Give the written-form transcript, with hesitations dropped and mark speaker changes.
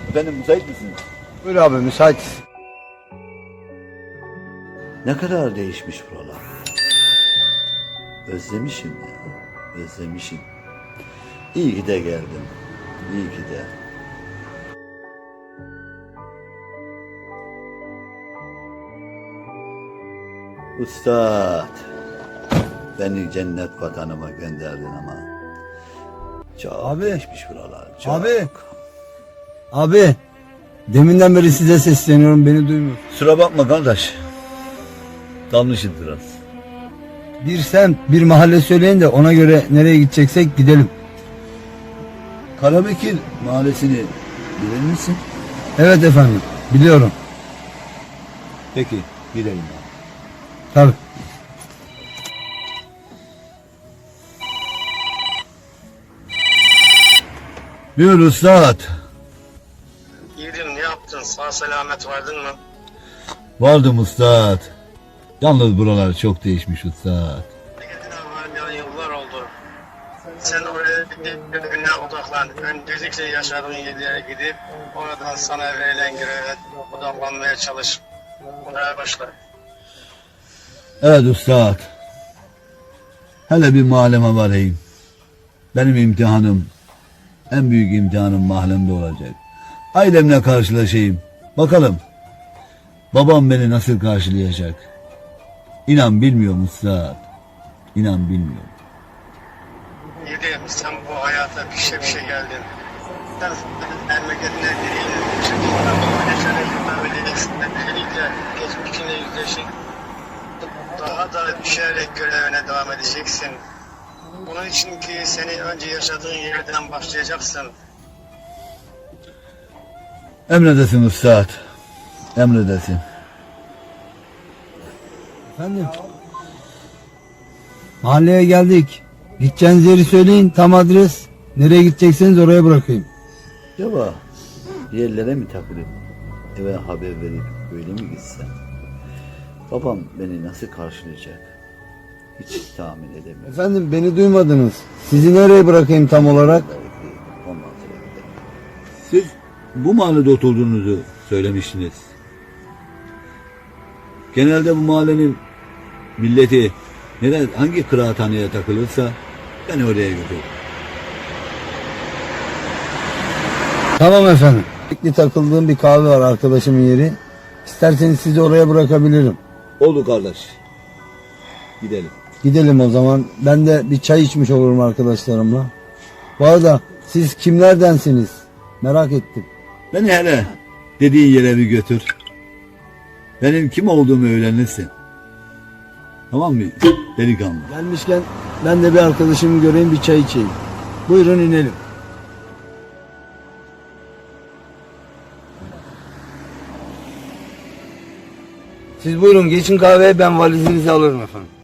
Speaker 1: Efendim müsait misiniz?
Speaker 2: Buyur abi, müsait.
Speaker 1: Ne kadar değişmiş buralar. Özlemişim ya. Özlemişim. İyi ki de geldim. İyi ki de. Üstad, beni cennet vatanıma gönderdin ama çok
Speaker 2: Abi.
Speaker 1: değişmiş buralar. Çok.
Speaker 2: Abi, deminden beri size sesleniyorum, beni duymuyor.
Speaker 1: Kusura bakma kardeş. Dalmışım biraz.
Speaker 2: Bir semt, bir mahalle söyleyin de ona göre nereye gideceksek gidelim.
Speaker 1: Karabekir mahallesini bilir misin?
Speaker 2: Evet efendim, biliyorum.
Speaker 1: Peki gidelim.
Speaker 2: Tabii.
Speaker 1: Buyur üstad.
Speaker 3: Yiğidim ne yaptın? Sağ selamet vardın mı?
Speaker 1: Vardım üstad. Yalnız buralar çok değişmiş üstad.
Speaker 3: Gidin var yıllar oldu. Sen oraya görevine odaklan. Öncelikle yaşadığın yerlere gidip oradan sana verilen göreve odaklanmaya çalış. Buraya başla.
Speaker 1: Evet üstad. Hele bir mahalleme varayım. Benim imtihanım, en büyük imtihanım mahallemde olacak. Ailemle karşılaşayım. Bakalım babam beni nasıl karşılayacak. İnan bilmiyorum üstad. İnan bilmiyorum.
Speaker 3: Yiğidim sen bu hayata pişe geldin. Sen memleketine diriyle çünkü yaşana hüküm edeceksin. Öncelikle geçmişine yüzleşin. Daha da düşerek görevine devam edeceksin. Bunun için ki seni önce yaşadığın yerden başlayacaksın.
Speaker 1: Emredesin üstad. Emredesin.
Speaker 2: Efendim? Mahalleye geldik. Gideceğiniz yeri söyleyin, tam adres. Nereye gidecekseniz oraya bırakayım.
Speaker 1: Acaba bir yerlere mi takılıp eve haber verip öyle mi gitsem? Babam beni nasıl karşılayacak? Hiç tahmin edemiyorum.
Speaker 2: Efendim, beni duymadınız. Sizi nereye bırakayım tam olarak?
Speaker 1: Ondan sonra gidelim. Siz bu mahallede oturduğunuzu söylemiştiniz. Genelde bu mahallenin milleti hangi kıraathaneye takılırsa beni oraya götür.
Speaker 2: Tamam efendim. Sürekli takıldığım bir kahve var, arkadaşımın yeri. İsterseniz sizi oraya bırakabilirim.
Speaker 1: Oldu kardeş. Gidelim.
Speaker 2: Gidelim o zaman. Ben de bir çay içmiş olurum arkadaşlarımla. Bu arada siz kimlerdensiniz? Merak ettim.
Speaker 1: Beni hele dediğin yere bir götür. Benim kim olduğumu öğrenirsin. Tamam mı delikanlı?
Speaker 2: Gelmişken ben de bir arkadaşımı göreyim, bir çay içeyim. Buyurun inelim. Siz buyurun geçin kahveye, ben valizinizi alırım efendim.